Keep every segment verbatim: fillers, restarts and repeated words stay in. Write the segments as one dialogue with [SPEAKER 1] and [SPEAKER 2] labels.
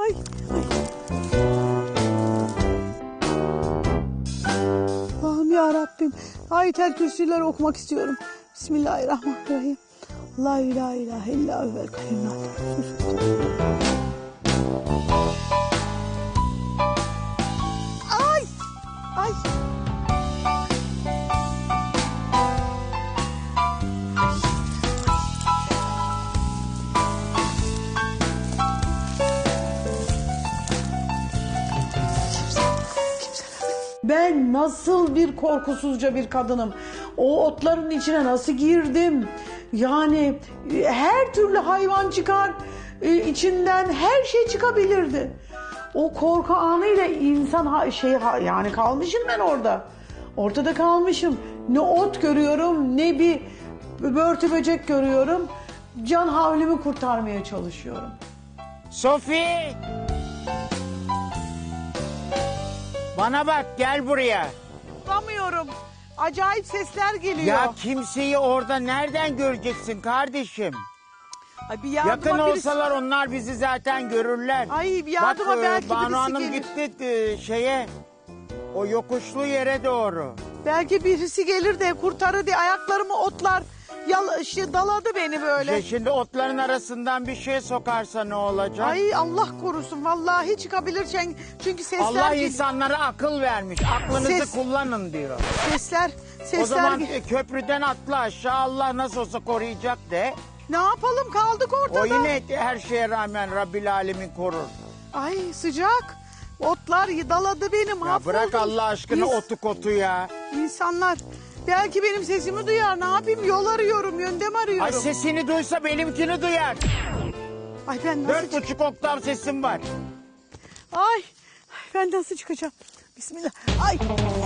[SPEAKER 1] ay, ay. Allah'ım ya Rabbim. Ayet-el Kürsü'leri okumak istiyorum. Bismillahirrahmanirrahim. La ilahe ilahe illa huvel kayyum. Ay! Ay! Ben nasıl bir korkusuzca bir kadınım. O otların içine nasıl girdim? Yani her türlü hayvan çıkar, içinden her şey çıkabilirdi. O korku anıyla insan şey yani kalmışım ben orada. Ortada kalmışım. Ne ot görüyorum, ne bir börtü böcek görüyorum. Can havlimi kurtarmaya çalışıyorum.
[SPEAKER 2] Sofi! Bana bak, gel buraya.
[SPEAKER 1] Bulamıyorum. Acayip sesler geliyor.
[SPEAKER 2] Ya kimseyi orada nereden göreceksin kardeşim?
[SPEAKER 1] Ay bir yardıma
[SPEAKER 2] Yakın
[SPEAKER 1] birisi...
[SPEAKER 2] olsalar onlar bizi zaten görürler.
[SPEAKER 1] Ay bir yardıma
[SPEAKER 2] bak,
[SPEAKER 1] belki
[SPEAKER 2] Banu
[SPEAKER 1] birisi
[SPEAKER 2] Hanım
[SPEAKER 1] gelir.
[SPEAKER 2] gitti e, şeye, o yokuşlu yere doğru.
[SPEAKER 1] Belki birisi gelir de kurtarır diye ayaklarımı otlar yal, şey, daladı beni böyle.
[SPEAKER 2] Şey, şimdi otların arasından bir şey sokarsa ne olacak?
[SPEAKER 1] Ay Allah korusun vallahi çıkabilir çünkü, çünkü sesler
[SPEAKER 2] Allah
[SPEAKER 1] gel-
[SPEAKER 2] insanlara akıl vermiş. Aklınızı
[SPEAKER 1] Ses-
[SPEAKER 2] kullanın diyor.
[SPEAKER 1] Sesler sesler
[SPEAKER 2] O zaman
[SPEAKER 1] gel-
[SPEAKER 2] e, köprüden atla aşağı, Allah nasıl olsa koruyacak de.
[SPEAKER 1] Ne yapalım kaldık ortada.
[SPEAKER 2] O yine her şeye rağmen Rabbil Alemin korur.
[SPEAKER 1] Ay sıcak. Otlar daladı beni
[SPEAKER 2] Ya
[SPEAKER 1] mahvoldum.
[SPEAKER 2] bırak Allah aşkına
[SPEAKER 1] İns-
[SPEAKER 2] otu kotu ya.
[SPEAKER 1] İnsanlar belki benim sesimi duyar. Ne yapayım? Yol arıyorum, yöndem arıyorum.
[SPEAKER 2] Ay sesini duysa benimkini duyar.
[SPEAKER 1] Ay ben nasıl
[SPEAKER 2] Dört
[SPEAKER 1] çık-
[SPEAKER 2] buçuk oktav sesim var.
[SPEAKER 1] Ay, ay ben nasıl çıkacağım? Bismillah. Ay.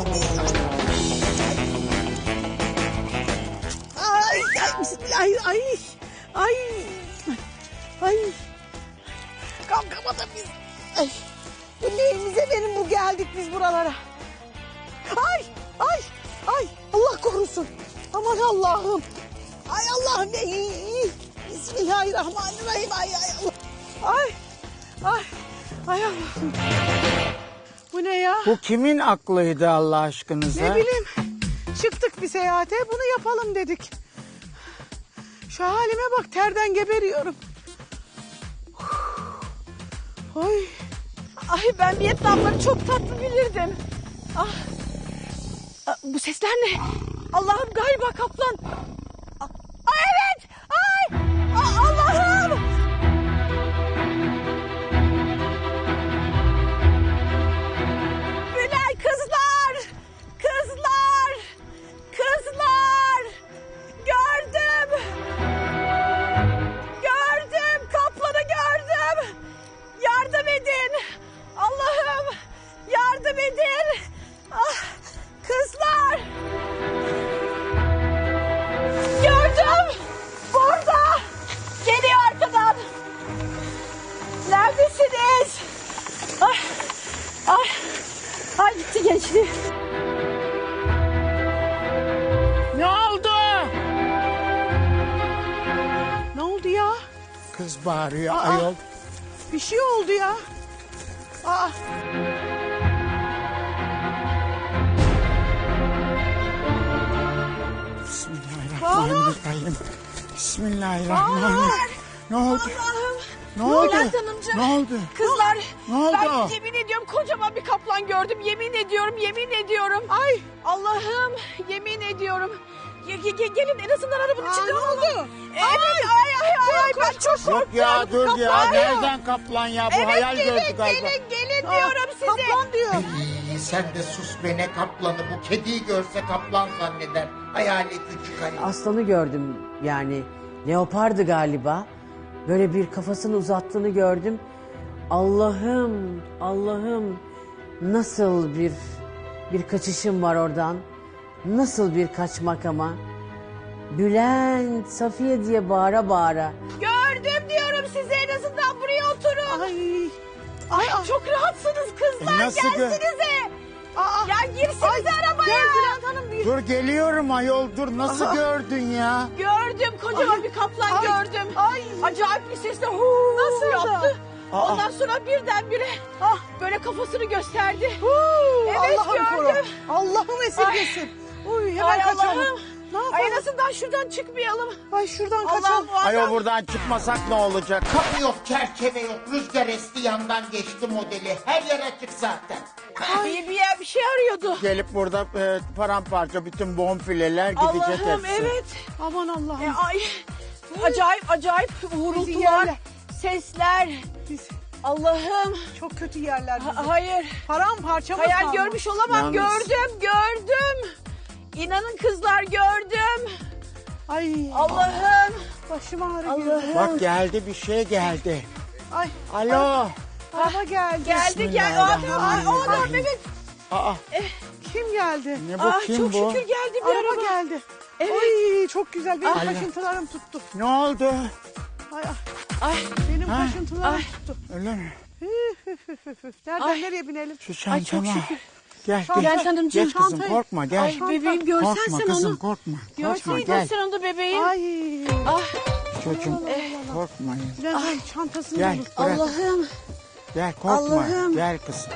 [SPEAKER 1] Ay, ay, bismillah. Ay, ay. Ay. Ay. Kalkamadım biz. Ay. Bu neyimize benim bu geldik biz buralara. Ay, ay, ay. Allah korusun. Aman Allah'ım. Ay Allah'ım. Ay, Bismillahirrahmanirrahim. Ay, ay Allah. Ay, ay. Ay Allah'ım. Bu ne ya?
[SPEAKER 2] Bu kimin aklıydı Allah aşkınıza?
[SPEAKER 1] Ne bileyim. Çıktık bir seyahate bunu yapalım dedik. Şu halime bak terden geberiyorum. Ay.
[SPEAKER 3] Ay ben Vietnamları çok tatlı bilirdim. Ah. Ah, bu sesler ne? Allah'ım galiba kaplan. Ah, ah, evet. Ay. Ah, Allah'ım. Günay kızlar. Kızlar. Kızlar. Gördüm. Gördüm. Kaplanı gördüm. Yardım edin. Allah'ım yardım edin. Ah, kızlar. Gördüm. Burada. Geliyor arkadan. Neredesiniz? Ay, ay, ay gitti gençliğim.
[SPEAKER 2] Ne oldu?
[SPEAKER 1] Ne oldu ya?
[SPEAKER 2] Kız bağırıyor
[SPEAKER 1] Aa.
[SPEAKER 2] ayol.
[SPEAKER 1] Bir şey oldu ya. Aa.
[SPEAKER 2] Bismillahirrahmanirrahim. Bismillahirrahmanirrahim. Ne oldu?
[SPEAKER 3] Allah'ım.
[SPEAKER 2] Ne oldu?
[SPEAKER 3] Bülent Hanımcığım.
[SPEAKER 2] Ne oldu?
[SPEAKER 3] Kızlar.
[SPEAKER 2] Ne oldu?
[SPEAKER 3] Ben yemin ediyorum kocaman bir kaplan gördüm. Yemin ediyorum, yemin ediyorum.
[SPEAKER 1] Ay.
[SPEAKER 3] Allah'ım yemin ediyorum. Ge- ge- ge- gelin en azından arabanın
[SPEAKER 1] Aa,
[SPEAKER 3] içinde
[SPEAKER 1] ne
[SPEAKER 3] olalım.
[SPEAKER 1] oldu?
[SPEAKER 3] Evet ay ay ay, ay ben çok korktum.
[SPEAKER 2] Yok ya dur ya.
[SPEAKER 3] Kaplan.
[SPEAKER 2] Nereden kaplan ya? Bu
[SPEAKER 3] Evet
[SPEAKER 2] hayal
[SPEAKER 3] gelin
[SPEAKER 2] gördü galiba.
[SPEAKER 3] gelin gelin
[SPEAKER 1] Aa,
[SPEAKER 3] diyorum size.
[SPEAKER 1] Kaplan diyor.
[SPEAKER 4] İyi, sen de sus be, ne kaplanı, bu kediyi görse kaplan zanneder. Hayali küçük hani.
[SPEAKER 5] Aslanı gördüm yani. Leopardı galiba. Böyle bir kafasını uzattığını gördüm. Allah'ım, Allah'ım nasıl bir bir kaçışım var oradan. Nasıl bir kaçmak ama. Bülent, Safiye diye bağıra bağıra.
[SPEAKER 3] Gördüm diyorum size, en azından buraya oturun.
[SPEAKER 1] Ay.
[SPEAKER 3] Ay, çok rahatsınız kızlar,
[SPEAKER 2] E, nasıl gö-
[SPEAKER 3] gelsinize.
[SPEAKER 1] Aa.
[SPEAKER 3] Ya girsinize arabaya.
[SPEAKER 1] Gel Bülent Hanım bir.
[SPEAKER 2] Dur geliyorum ayol dur. Nasıl
[SPEAKER 1] Aha.
[SPEAKER 2] gördün ya?
[SPEAKER 3] Gördüm, kocaman bir kaplan
[SPEAKER 1] Ay,
[SPEAKER 3] gördüm.
[SPEAKER 1] ay.
[SPEAKER 3] Acayip bir sesle huu
[SPEAKER 1] Nasıl da?
[SPEAKER 3] yaptı. Ondan sonra birdenbire ah böyle kafasını gösterdi.
[SPEAKER 1] Huu,
[SPEAKER 3] Evet,
[SPEAKER 1] Allah'ım koru.
[SPEAKER 3] gördüm.
[SPEAKER 1] Allah'ım esirgesin. Uy, hemen
[SPEAKER 3] Ay
[SPEAKER 1] kaçalım.
[SPEAKER 3] Allah'ım.
[SPEAKER 1] Ne yapalım?
[SPEAKER 3] Ay en azından şuradan çıkmayalım.
[SPEAKER 1] Ay şuradan
[SPEAKER 3] Allah'ım
[SPEAKER 1] kaçalım.
[SPEAKER 3] bu adam.
[SPEAKER 2] Ayol buradan çıkmasak ne olacak?
[SPEAKER 4] Kapı yok, çerçeve yok, rüzgar esti yandan geçti modeli. Her yer açık zaten.
[SPEAKER 3] Bir, bir, yer- bir şey arıyordu.
[SPEAKER 2] Gelip burada e, paramparça bütün bonfileler gidecek
[SPEAKER 3] Allah'ım
[SPEAKER 2] hepsi.
[SPEAKER 3] evet.
[SPEAKER 1] Aman Allah'ım.
[SPEAKER 3] E, ay, acayip acayip uğultular,
[SPEAKER 1] yerler.
[SPEAKER 3] sesler.
[SPEAKER 1] Biz
[SPEAKER 3] Allah'ım.
[SPEAKER 1] çok kötü yerler bizi.
[SPEAKER 3] Ha- hayır.
[SPEAKER 1] Paramparça mı
[SPEAKER 3] Hayal
[SPEAKER 1] kaldı?
[SPEAKER 3] görmüş olamam.
[SPEAKER 2] Yalnız-
[SPEAKER 3] Gördüm, gördüm. İnanın kızlar gördüm.
[SPEAKER 1] Ay
[SPEAKER 3] Allah'ım.
[SPEAKER 1] başım ağrıyor.
[SPEAKER 3] Allah'ım.
[SPEAKER 2] Bak geldi bir şey geldi.
[SPEAKER 1] Ay
[SPEAKER 2] Alo.
[SPEAKER 1] araba geldi.
[SPEAKER 3] Geldi gel. O adam, ay, o adam
[SPEAKER 2] Bismillahirrahmanirrahim.
[SPEAKER 3] evet.
[SPEAKER 2] Aa,
[SPEAKER 1] Kim geldi?
[SPEAKER 2] ne bu
[SPEAKER 3] Ah,
[SPEAKER 2] kim
[SPEAKER 3] çok
[SPEAKER 2] bu?
[SPEAKER 3] şükür geldi bir
[SPEAKER 1] Araba
[SPEAKER 3] araba.
[SPEAKER 1] geldi.
[SPEAKER 3] Evet.
[SPEAKER 1] Ay çok güzel. Benim
[SPEAKER 2] Allah.
[SPEAKER 1] kaşıntılarım tuttu.
[SPEAKER 2] Ne oldu?
[SPEAKER 1] Ay, ay,
[SPEAKER 3] Ay,
[SPEAKER 1] benim
[SPEAKER 2] Ha.
[SPEAKER 1] kaşıntılarım
[SPEAKER 3] Ay.
[SPEAKER 1] tuttu.
[SPEAKER 2] Öyle mi?
[SPEAKER 1] Üf, üf, üf, üf, üf. Nereden
[SPEAKER 3] Ay.
[SPEAKER 1] nereye binelim?
[SPEAKER 2] Şu
[SPEAKER 3] Ay, çok
[SPEAKER 2] çantama.
[SPEAKER 3] şükür.
[SPEAKER 2] Gel
[SPEAKER 1] Çanta-
[SPEAKER 2] gel.
[SPEAKER 3] Gel hanımcığım,
[SPEAKER 2] Geç kızım
[SPEAKER 1] çantayı-
[SPEAKER 2] korkma gel.
[SPEAKER 3] ay bebeğim görsen
[SPEAKER 2] korkma
[SPEAKER 3] sen
[SPEAKER 2] kızım
[SPEAKER 3] onu.
[SPEAKER 2] korkma. Korkma
[SPEAKER 3] Görseydin
[SPEAKER 2] gel.
[SPEAKER 3] sen onu bebeğim.
[SPEAKER 1] Ay.
[SPEAKER 3] Ah,
[SPEAKER 2] Çocuğum korkmayın.
[SPEAKER 1] Birazdan çantasını
[SPEAKER 2] Gel
[SPEAKER 1] bulur.
[SPEAKER 2] bırak.
[SPEAKER 3] Allah'ım.
[SPEAKER 2] Gel korkma.
[SPEAKER 3] Allah'ım.
[SPEAKER 2] Gel kızım.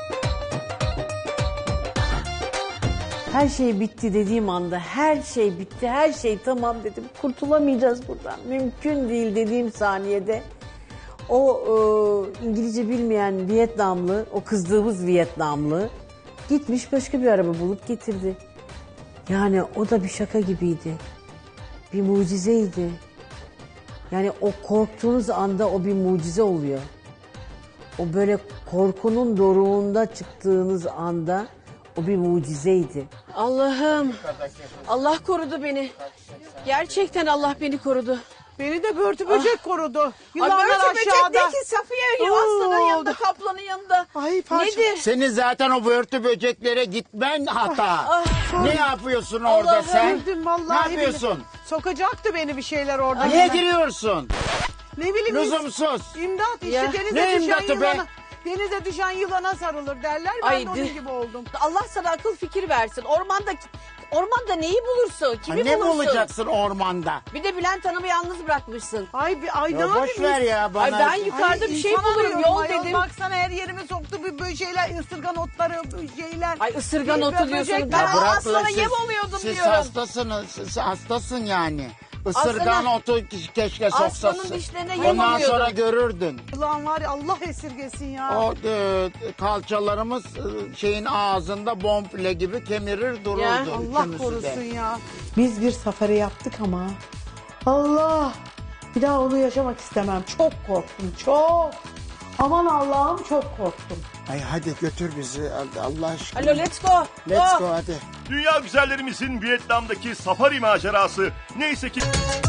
[SPEAKER 5] Her şey bitti dediğim anda her şey bitti, her şey tamam dedim. Kurtulamayacağız buradan. Mümkün değil dediğim saniyede o e, İngilizce bilmeyen Vietnamlı, o kızdığımız Vietnamlı gitmiş başka bir araba bulup getirdi. Yani o da bir şaka gibiydi. Bir mucizeydi. Yani o korktuğunuz anda o bir mucize oluyor. O böyle korkunun doruğunda çıktığınız anda o bir mucizeydi.
[SPEAKER 3] Allah'ım. Allah korudu beni. Gerçekten Allah beni korudu.
[SPEAKER 1] Beni de börtü böcek korudu.
[SPEAKER 3] Ay
[SPEAKER 1] Yılanlar
[SPEAKER 3] böyle böcek
[SPEAKER 1] aşağıda.
[SPEAKER 3] değil ki Safiye.
[SPEAKER 1] Oo.
[SPEAKER 3] Aslanın yanında, kaplanın yanında.
[SPEAKER 1] Ay parça.
[SPEAKER 3] Nedir?
[SPEAKER 2] Senin zaten o börtü böceklere gitmen hata.
[SPEAKER 3] Ah,
[SPEAKER 2] Ne yapıyorsun orada
[SPEAKER 3] Allah'ım.
[SPEAKER 2] sen?
[SPEAKER 1] Öldüm vallahi.
[SPEAKER 2] Ne yapıyorsun?
[SPEAKER 1] billahi. Sokacaktı beni bir şeyler orada.
[SPEAKER 2] Niye giriyorsun?
[SPEAKER 1] Ne bileyim.
[SPEAKER 2] Lüzumsuz.
[SPEAKER 1] İmdat işte
[SPEAKER 3] Ya.
[SPEAKER 1] denize
[SPEAKER 2] Ne
[SPEAKER 1] düşen
[SPEAKER 2] imdatı be?
[SPEAKER 1] yılana. Denize düşen yılana sarılır derler. Ben
[SPEAKER 3] Ay,
[SPEAKER 1] de onun
[SPEAKER 3] di-
[SPEAKER 1] gibi oldum.
[SPEAKER 3] Allah sana akıl fikir versin. Ormanda ormanda neyi bulursun?
[SPEAKER 2] Ha,
[SPEAKER 3] Kimi
[SPEAKER 2] ne
[SPEAKER 3] bulursun?
[SPEAKER 2] bulacaksın ormanda?
[SPEAKER 3] Bir de Bülent Hanım'ı yalnız bırakmışsın.
[SPEAKER 1] Ay bir ay ne
[SPEAKER 2] Ya boş
[SPEAKER 1] yapayım?
[SPEAKER 2] ver ya bana.
[SPEAKER 3] Ay ben yukarıda bir şey
[SPEAKER 1] insan
[SPEAKER 3] bulurum.
[SPEAKER 1] arıyorum
[SPEAKER 3] Yol
[SPEAKER 1] ayol.
[SPEAKER 3] dedim.
[SPEAKER 1] Baksana her yerime soktu bir böyle şeyler, ısırgan otları, şeyler.
[SPEAKER 3] Ay ısırgan
[SPEAKER 1] Bir-
[SPEAKER 3] otu
[SPEAKER 1] bir
[SPEAKER 3] diyorsun.
[SPEAKER 1] böcek-
[SPEAKER 3] Ben
[SPEAKER 2] Ya bırak
[SPEAKER 3] aslana
[SPEAKER 2] lan, siz-
[SPEAKER 3] yem oluyordum
[SPEAKER 2] siz
[SPEAKER 3] diyorum.
[SPEAKER 2] hastasınız. Siz hastasın yani. Isırgan
[SPEAKER 3] Aslana-
[SPEAKER 2] otu keşke
[SPEAKER 3] Aslanın
[SPEAKER 2] soksasın.
[SPEAKER 3] dişlerine yem
[SPEAKER 2] Ondan
[SPEAKER 3] oluyordum.
[SPEAKER 2] sonra görürdün.
[SPEAKER 1] Ulan var ya Allah esirgesin ya.
[SPEAKER 2] O e, kalçalarımız e, şeyin ağzında bonfile gibi kemirir dururdu.
[SPEAKER 3] Ya,
[SPEAKER 1] Allah
[SPEAKER 2] üçümüzü de.
[SPEAKER 1] korusun ya.
[SPEAKER 6] Biz bir safari yaptık ama Allah, bir daha onu yaşamak istemem. Çok korktum, çok. Aman Allah'ım çok korktum.
[SPEAKER 2] Ay hadi götür bizi Allah aşkına.
[SPEAKER 3] Alo let's go.
[SPEAKER 2] Let's
[SPEAKER 3] Go.
[SPEAKER 2] go hadi.
[SPEAKER 7] Dünya güzellerimizin Vietnam'daki safari macerası neyse ki...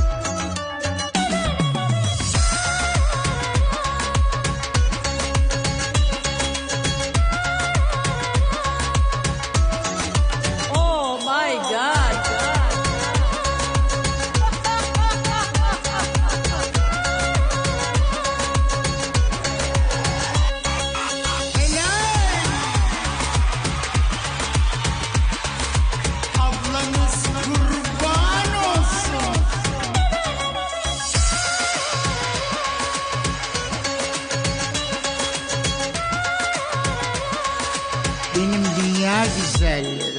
[SPEAKER 3] Oh my god.
[SPEAKER 2] Ablanız kurban olsun. Benim dünya güzelleri.